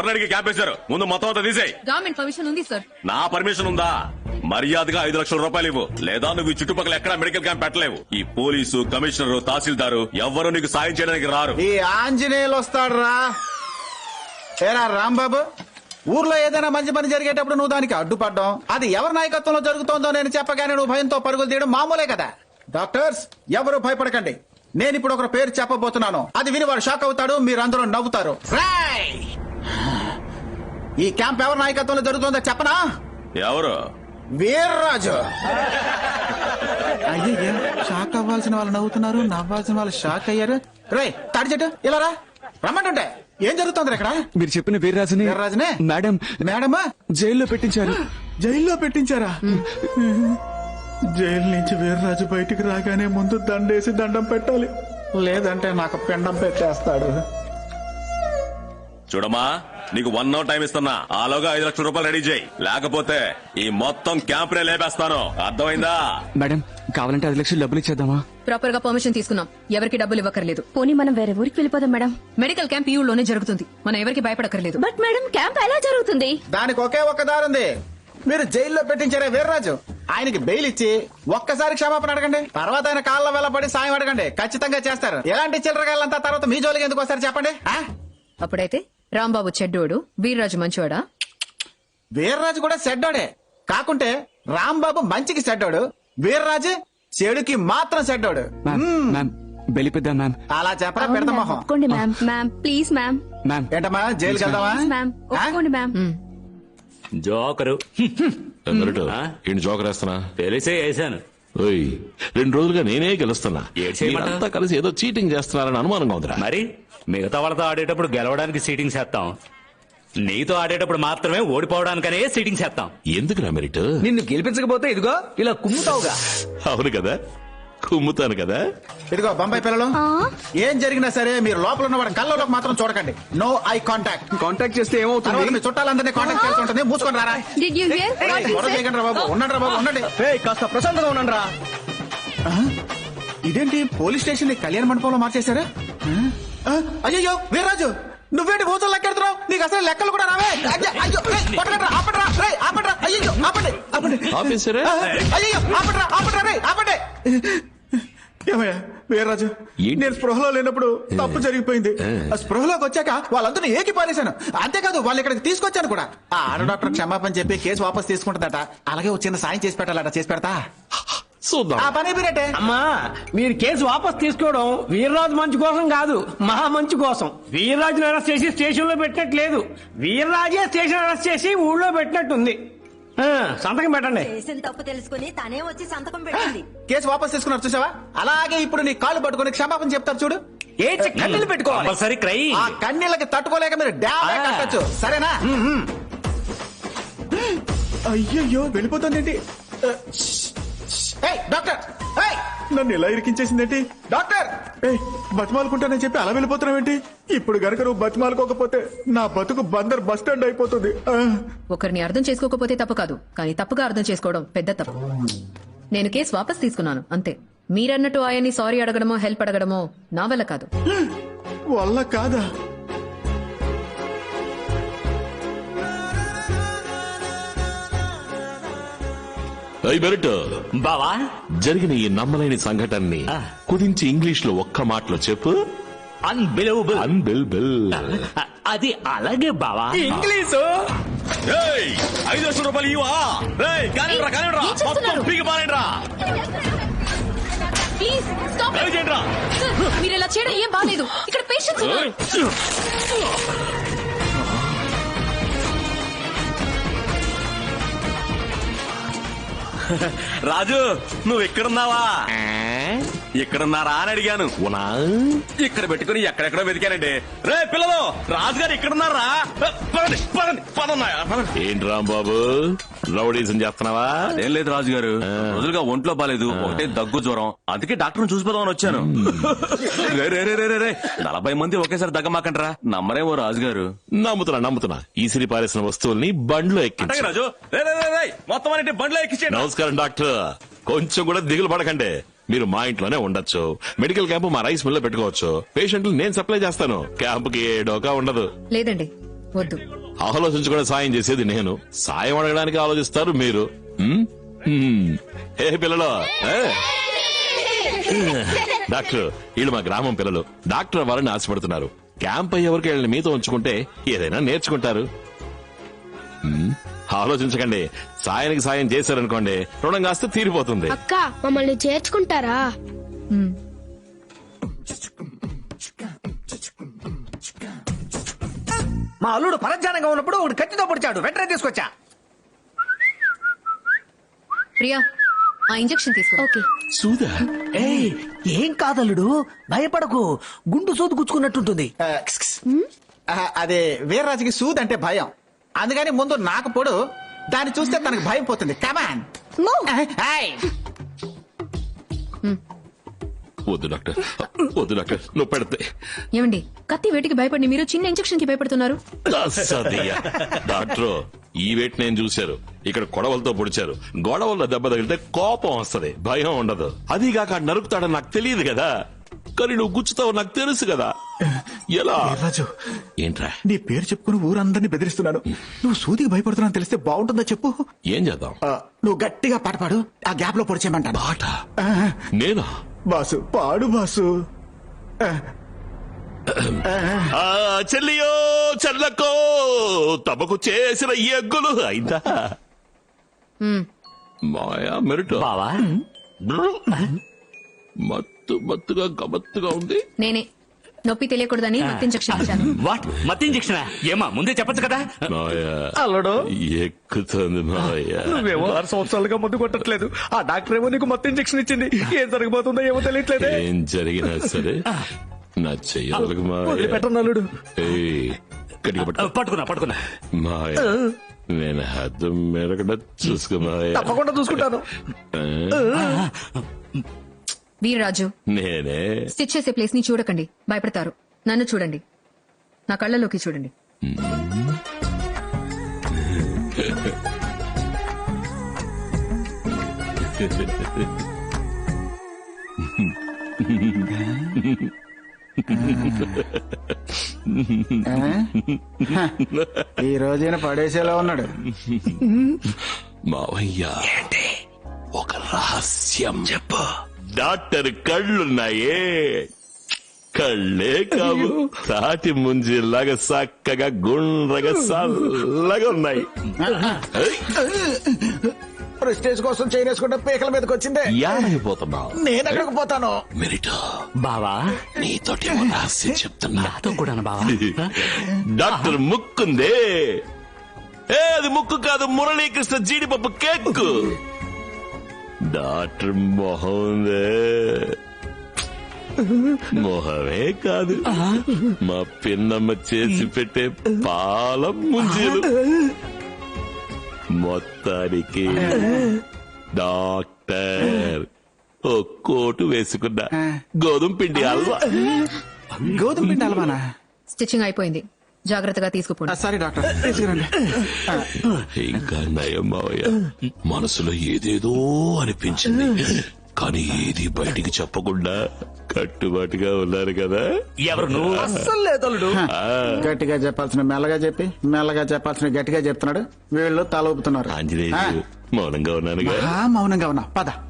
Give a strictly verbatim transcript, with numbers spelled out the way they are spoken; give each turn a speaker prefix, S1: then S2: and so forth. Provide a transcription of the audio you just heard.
S1: ఎవరిని అడిగి క్యాంప్ వేశారు? ముందు మొత్తం అంతా తీసేయ్.
S2: గవర్నమెంట్ పర్మిషన్ ఉంది సార్.
S1: నా పర్మిషన్ ఉందా? మర్యాదగా ఐదు లక్షల రూపాయలు ఇవ్వు, లేదా నువ్వు ఈ చుట్టుపక్కల ఎక్కడా మెడికల్ క్యాంప్ పెట్టలేవు. ఈ పోలీసు, కమిషనర్, తహసీల్దారు ఎవ్వరూ నీకు సాయం చేయడానికి రారు.
S3: ఈ ఆంజనేయులు వస్తాడురా. ఏరా రాంబాబు, ఊర్లో ఏదైనా మంచి పని జరిగేటప్పుడు నువ్వు దానికి అడ్డుపడ్డం, అది ఎవరి నాయకత్వంలో జరుగుతోందో నేను చెప్పగానే నువ్వు భయంతో పరుగులు తీయడం మామూలే కదా. డాక్టర్స్ ఎవరు భయపడకండి. నేను ఇప్పుడు ఒక పేరు చెప్పబోతున్నాను, అది విని వాడు షాక్ అవుతాడు, మీరందరూ నవ్వుతారు. రేయ్! ఈ క్యాంప్ ఎవరి నాయకత్వంలో జరుగుతుందో చెప్పనా?
S1: ఎవరు?
S3: వీర్రాజు. అయ్యే, షాక్ అవ్వాల్సిన వాళ్ళు నవ్వుతున్నారు, నవ్వాల్సిన వాళ్ళు షాక్ అయ్యారు. రే తాడి చెట్టు ఇలా రా, రమ్మంటుంటే ఏం జరుగుతుంది ఇక్కడ?
S4: మీరు చెప్పిన వీర్రాజుని
S3: వీర్రాజునే
S4: మేడం
S3: మేడమా
S4: జైల్లో పెట్టించారు.
S3: జైల్లో పెట్టించారా? జైలు నుంచి వీర్రాజు బయటికి రాగానే ముందు దండేసి దండం పెట్టాలి, లేదంటే నాకు పిండం పెట్టేస్తాడు.
S1: చూడమ్మా, నీకు వన్ అవర్ టైం ఇస్తున్నా, ఆలోగా ఐదు లక్షల రూపాయలు రెడీ చేయి, లేకపోతే ఈ మొత్తం క్యాంప్ నే లేపేస్తాను. అర్థమైందా?
S4: మేడం కావాలంటే ఐదు లక్షలు డబ్బులు ఇచ్చేద్దామా?
S2: ప్రాపర్ గా పర్మిషన్ తీసుకున్నాం, ఎవరికి డబ్బులు ఇవ్వకర్లేదు.
S5: పోనీ మనం వేరే ఊరికి వెళ్ళిపోదాం మేడం.
S2: మెడికల్ క్యాంప్ ఈ ఊళ్ళోనే జరుగుతుంది, మనం ఎవరికి భయపడకర్లేదు.
S5: బట్ మేడం క్యాంప్ ఎలా జరుగుతుంది?
S3: దానికి ఒకే ఒక్క దారుంది. మీరు జైల్లో పెట్టించారే వీర్రాజు, ఆయనకి బెయిల్ ఇచ్చి ఒక్కసారి క్షమాపణ అడగండి, తర్వాత ఆయన కాళ్ళ వెళ్ళబడి సాయం అడగండి, ఖచ్చితంగా చేస్తారు. ఎలాంటి చిల్లరగాళ్ళంతా తర్వాత మీ జోలికి ఎందుకు వస్తారు చెప్పండి?
S2: అప్పుడైతే రాంబాబు చెడ్డోడు, వీర్రాజు మంచివాడా?
S3: వీర్రాజు కూడా చెడ్డోడే, కాకుంటే రాంబాబు మంచికి చెడ్డోడు, వీర్రాజు చెడుకి మాత్రం చెడ్డోడు.
S4: Ma'am బెలిపిద్దాం ma'am.
S3: అలా చెప్పరా పెడతా మొహం.
S5: ఒప్పుకోండి ma'am. Ma'am please ma'am.
S4: Ma'am
S3: ఏంటమ్మా జైలుకి వెళ్దామా?
S5: మ్యామ్ ఒప్పుకోండి మ్యామ్.
S6: జోకరు
S7: ఏంటి జోకర్ వేస్తున్నా?
S6: తెలిసే వేసాను.
S7: ఓయ్, రెండు రోజులుగా నేనే గెలుస్తున్నా,
S6: ఏడ్ చేయమంటావ్?
S7: మీరంతా కలిసి ఏదో చీటింగ్ చేస్తున్నారని అనుమానంగా ఉందిరా.
S6: మరి మిగతా వాళ్ళతో ఆడేటప్పుడు గెలవడానికి సీటింగ్ చేస్తాం, నీతో ఆడేటప్పుడు మాత్రమే ఓడిపోవడానికనే సీటింగ్ చేస్తాం.
S7: ఎందుకురా మెరిట్?
S4: నిన్ను గెలిపించకపోతే ఇదిగో ఇలా కుమ్ముతావుగా.
S7: అవును కదా, కుమ్ముతాను కదా.
S3: ఇదిగో బొంబాయి పిల్లలు, ఏం జరిగినా సరే మీరు లోపల ఉన్న వాడి కళ్ళలోకి మాత్రం చూడకండి. No eye contact.
S4: కాంటాక్ట్ చేస్తే
S3: తర్వాత
S4: ఏమవుతుంది?
S3: మీ చుట్టాలందరినీ కాంటాక్ట్ చేసి ఉంటుంది. మూసుకొని రారా.
S5: Did you hear?
S3: గొడవ చేయకండి రా బాబు, ఉండండి రా బాబు, ఉండండి.
S4: కాస్త ప్రశాంతంగా ఉండండి రా.
S3: ఇదేంటి పోలీస్ స్టేషన్ ని కళ్యాణ మండపంలో మార్చేశారా? అయ్యో వీర్రాజు, నువ్వేంటి భూతులు లెక్కెడుతున్నావు? నీకు అసలు లెక్కలు కూడా రావే. అయ్యో, అయ్యో, రేయ్, కొట్టకండిరా, ఆపండిరా, రేయ్, ఆపండిరా, అయ్యో, ఆపండి, ఆపండి.
S7: ఆపేశారా?
S3: అయ్యో, ఆపండిరా, ఆపండిరా, రేయ్, ఆపండి. ఏమయ్యా వీర్రాజు,
S7: ఏంటి?
S3: నేను స్పృహలో లేనప్పుడు తప్పు జరిగిపోయింది. ఆ స్పృహలోకి వచ్చాక వాళ్ళందరూ ఏకి పారేశాను. అంతేకాదు వాళ్ళు ఇక్కడికి తీసుకొచ్చాను కూడా. ఆ ఆడ డాక్టర్ క్షమాపణ చెప్పి కేసు వాపస్ తీసుకుంటుందట. అలాగే ఒక చిన్న సాయం చేసి పెట్టాలట, చేసి పెడతా.
S7: చూద్దాం.
S3: ఆ పని అయిపోయినట్టే.
S8: అమ్మా, మీరు కేసు వాపస్ తీసుకోవడం వీర్రాజు మంచి కోసం కాదు, మహా మంచి కోసం. వీర్రాజును అరెస్ట్ చేసి స్టేషన్ లో పెట్టినట్టు లేదు, వీర్రాజే స్టేషన్ అరెస్ట్ చేసి ఊళ్ళో పెట్టినట్టుంది. ఆ, సంతకం పెట్టండి.
S9: చేసిన తప్పు తెలుసుకుని తనే వచ్చి సంతకం పెట్టింది.
S3: కేసు వాపస్ తీసుకున్నారు చూసావా? అలాగే ఇప్పుడు నీ కాళ్ళు పట్టుకుని క్షమాపణ చెప్తారు చూడు.
S8: ఏ కన్నీళ్ళు పెట్టుకోవాలి.
S6: Compulsory cry.
S3: ఆ కన్నీళ్ళకి తట్టుకోలేక మీరు డ్యామే కట్టచ్చు, సరేనా? అయ్యయ్యో వెళ్ళిపోతుందేంటి? ఏయ్, డాక్టర్, ఏయ్, నన్ను ఇలా ఇరికించేసిందేంటి? డాక్టర్, ఏయ్, బతిమాలుకుంటానని చెప్పి అలా వెళ్ళిపోతున్నావేంటి? ఇప్పుడు గనక నువ్వు బతిమాలుకోకపోతే నా బతుకు బందర్ బస్ స్టాండ్ అయిపోతుంది. ఆ.
S2: ఒకరిని అర్థం చేసుకోకపోతే తప్పు కాదు, కానీ తప్పుగా అర్థం చేసుకోవడం పెద్ద తప్పు. నేను కేసు వాపస్ తీసుకున్నాను అంతే. మీరన్నట్టు ఆయన్ని సారీ అడగడమో హెల్ప్ అడగడమో నా వల్ల కాదు.
S3: వల్ల కాదా?
S7: అయ్యి మెరిట్,
S6: బావా,
S7: జరిగిన ఈ నమ్మలేని సంఘటనని కుదించి ఇంగ్లీష్ లో ఒక్క మాటలో చెప్పు.
S6: అన్బిలీవబుల్.
S7: అన్బిలీవబుల్.
S6: అది అలాగే బావా.
S8: ఇంగ్లీషు
S1: ఏయ్, ఐదు లక్షల రూపాయలు ఇవా? రేయ్, కానివ్వరా, కానివ్వరా,
S2: ఏం చేస్తున్నారు?
S1: మొత్తం పీకి పారేయండిరా.
S2: Please stop.
S1: దయచేసి చేయండిరా.
S2: మీరు ఇలా చేయడం ఏం బాలేదు, ఇక్కడ పేషెంట్స్ ఉన్నారు.
S1: రాజు, నువ్వు ఇక్కడున్నావా? ఇక్కడున్నారా అని అడిగాను.
S7: ఉనా?
S1: ఇక్కడ పెట్టుకుని ఎక్కడెక్కడో వెతికానండి. రే పిల్లలు, రాజుగారు ఇక్కడున్నారా? పదండి, పదండి, పదన్నాయా?
S7: ఏంటి రాంబాబు, రౌడీజం చేస్తున్నావా?
S1: అదేం లేదు రాజుగారు, రోజులుగా ఒంట్లో బాలేదు, ఒకటే దగ్గు జ్వరం, అందుకే డాక్టర్ చూసిపోదామని వచ్చాను. రే రే రే రే రే నలభై మంది ఒకేసారి దగ్గమాకంటారా? నమ్మరేమో రాజుగారు.
S7: నమ్ముతున్నా నమ్ముతున్నా ఈసిరి పారేసిన వస్తువుల్ని బండ్లో ఎక్కించు.
S1: రాజు, రే రే రే రే మొత్తం అన్నిటి బండ్లో ఎక్కించండి.
S7: నమస్కారం డాక్టర్, కొంచెం కూడా దిగులు పడకండి, మీరు మా ఇంట్లోనే ఉండొచ్చు. మెడికల్ క్యాంప్ మా రైస్ మిల్ లో పెట్టుకోవచ్చు. పేషెంట్లు నేను సప్లై చేస్తాను, క్యాంప్ కి ఏ డోకా ఉండదు.
S2: లేదండి, వద్దు.
S7: ఆలోచించకుండా సాయం చేసేది నేను, సాయం అడగడానికి ఆలోచిస్తారు మీరు. ఉమ్? ఉమ్. ఏ పిల్లలు ఏ? డాక్టర్ వీళ్ళు మా గ్రామం పిల్లలు, డాక్టర్ అవ్వాలని ఆశపడుతున్నారు. క్యాంప్ అయ్యేవరకు వీళ్ళని మీతో ఉంచుకుంటే ఏదైనా నేర్చుకుంటారు. ఉమ్, ఆలోచించకండి, సాయానికి సాయం చేశారనుకోండి రుణం కాస్త తీరిపోతుంది.
S5: అక్క మమ్మల్ని చేర్చుకుంటారా?
S2: హ్మ్.
S4: మా అల్లుడు పరధ్యానంగా ఉన్నప్పుడు ఒకటి కత్తితో పొడిచాడు, వెంటనే తీసుకొచ్చా.
S2: ప్రియా, ఆ ఇంజెక్షన్ తీసుకో.
S5: ఓకే.
S7: సూదా
S4: ఏయ్, ఏం కాదల్లుడు, భయపడకు, గుండు సోదు గుచ్చుకున్నట్టుంటుంది.
S3: ఆ, క్స్ క్స్. ఆ, అదే వీర్రాజుకి సూద్ అంటే భయం, అందుకని ముందు నాకు పొడు, దాన్ని చూస్తే తనకు భయం పోతుంది. కమాన్.
S7: వద్దు డాక్టర్, వద్దు డాక్టర్, నువ్వు పెడితే
S2: ఏమండి, కత్తి వేటికి భయపడి మీరు చిన్న ఇంజెక్షన్ కి భయపడుతున్నారు?
S7: అస్సదియ్యా. డాక్టర్ ఈ వేట్ నేను చూశారు, ఇక్కడ కొడవలతో పొడిచారు, గొడవల్లో దెబ్బ తగిలితే కోపం వస్తది, భయం ఉండదు. అదిగాక నరుకుతాడని నాకు తెలియదు కదా, కానీ నువ్వు గుచ్చుతావు నాకు తెలుసు కదా. ఎలా?
S3: రాజు,
S7: ఏంట్రా?
S3: నీ పేరు చెప్పుకుని ఊరందరినీ బెదిరిస్తున్నాను. నువ్వు సూదికి భయపడుతున్నా తెలిస్తే బాగుంటుందో చెప్పు.
S7: ఏం చేద్దాం?
S3: ఆ, నువ్వు గట్టిగా పాట పాడు, ఆ గ్యాప్ లో పొడిచేయమంటాను.
S7: పాట?
S3: ఆ,
S7: నేనా?
S3: బాసు పాడు బాసు. ఆ,
S7: ఆ, చెల్లియో చెల్లకో తమకు చేసిన ఎగ్గులు అయిందా?
S2: హ్మ్.
S7: మాయా మెరుట
S6: బావా
S7: మత్తు మత్తుగా గమత్తుగా ఉంది.
S2: నేనే నొప్పి తెలియకూడదని మత్తు ఇంజెక్షన్ ఇచ్చాను.
S6: వాట్ మత్ ఇంజెక్షన్? ఏమా ముందే చెప్పొచ్చు కదా.
S7: మాయా
S4: అల్లుడు,
S7: ఎక్కుతుంది మాయా.
S4: నువ్వేమో ఆరు సంవత్సరాలుగా మందు కొట్టట్లేదు, ఆ డాక్టర్ ఏమో నీకు మొత్తం ఇంజెక్షన్ ఇచ్చింది. ఏం జరగబోతుందో ఏమో తెలియట్లేదే.
S7: ఏం జరిగినా సరే నా చెయ్యాలకు మాయా.
S4: పెట్టను అల్లుడు.
S7: ఏయ్, గట్టిగా పట్టుకో.
S6: పట్టుకున్నా పట్టుకున్నా.
S7: మాయా నేను హద్దు మెరగడ చూసుకో మాయా.
S4: తప్పకుండా చూసుకుంటాను.
S7: ఆ,
S2: వీర్రాజు,
S7: నేనే
S2: స్టిచ్ చేసే ప్లేస్ ని చూడకండి, భయపడతారు. నన్ను చూడండి, నా కళ్ళలోకి చూడండి.
S3: ఈ రోజైన పడేసేలా ఉన్నాడు.
S7: మావయ్య ఒక రహస్యం చెప్పు. డాక్టర్ కళ్ళున్నాయే, కళ్ళే కావు, తాటి ముంజిలాగా చక్కగా గుండ్రగా చల్లగా ఉన్నాయి.
S3: ప్రెస్టేజ్ కోసం చేయనేసుకుంటే పీకల మీదకి వచ్చిందే.
S7: యాడైపోతున్నావు?
S3: నేను ఎక్కడికి పోతాను?
S7: మెరిటో
S6: బావా
S7: నీతోటి ఓ రహస్యం చెప్తున్నా.
S6: నాతో కూడా బావా.
S7: డాక్టర్ ముక్కుందే, ఏ అది ముక్కు కాదు, మురళీకృష్ణ జీడిపప్పు కేక్. డాక్టర్ మొహం ఉందే, మొహమే కాదు, మా పిన్నమ్మ చేసి పెట్టే పాల ముంజీలు. మొత్తానికి డాక్టర్ ఓ కోటు వేసుకున్నా, గోధుమ పిండి హల్వా.
S3: గోధుమ పిండి అలవానా?
S2: స్టిచ్చింగ్ అయిపోయింది, జాగ్రత్తగా తీసుకుపోండి.
S3: సారీ డాక్టర్, తీసుకురండి.
S7: ఇంకా నయం మావయ్య, మనసులో ఏదేదో అనిపించింది, కానీ ఏది బయటికి చెప్పకుండా కట్టుబాటుగా ఉన్నారు కదా.
S6: ఎవరు నువ్వు?
S4: అస్సలు లేదు అల్లుడు.
S7: ఆ,
S3: గట్టిగా చెప్పాల్సిన మెల్లగా చెప్పి, మెల్లగా చెప్పాల్సిన గట్టిగా చెప్తున్నాడు. వీళ్ళు తల ఊపుతున్నారు.
S7: ఆంజనేయులు మౌనంగా ఉన్నానుగా.
S3: మహా మౌనంగా ఉన్నా. పద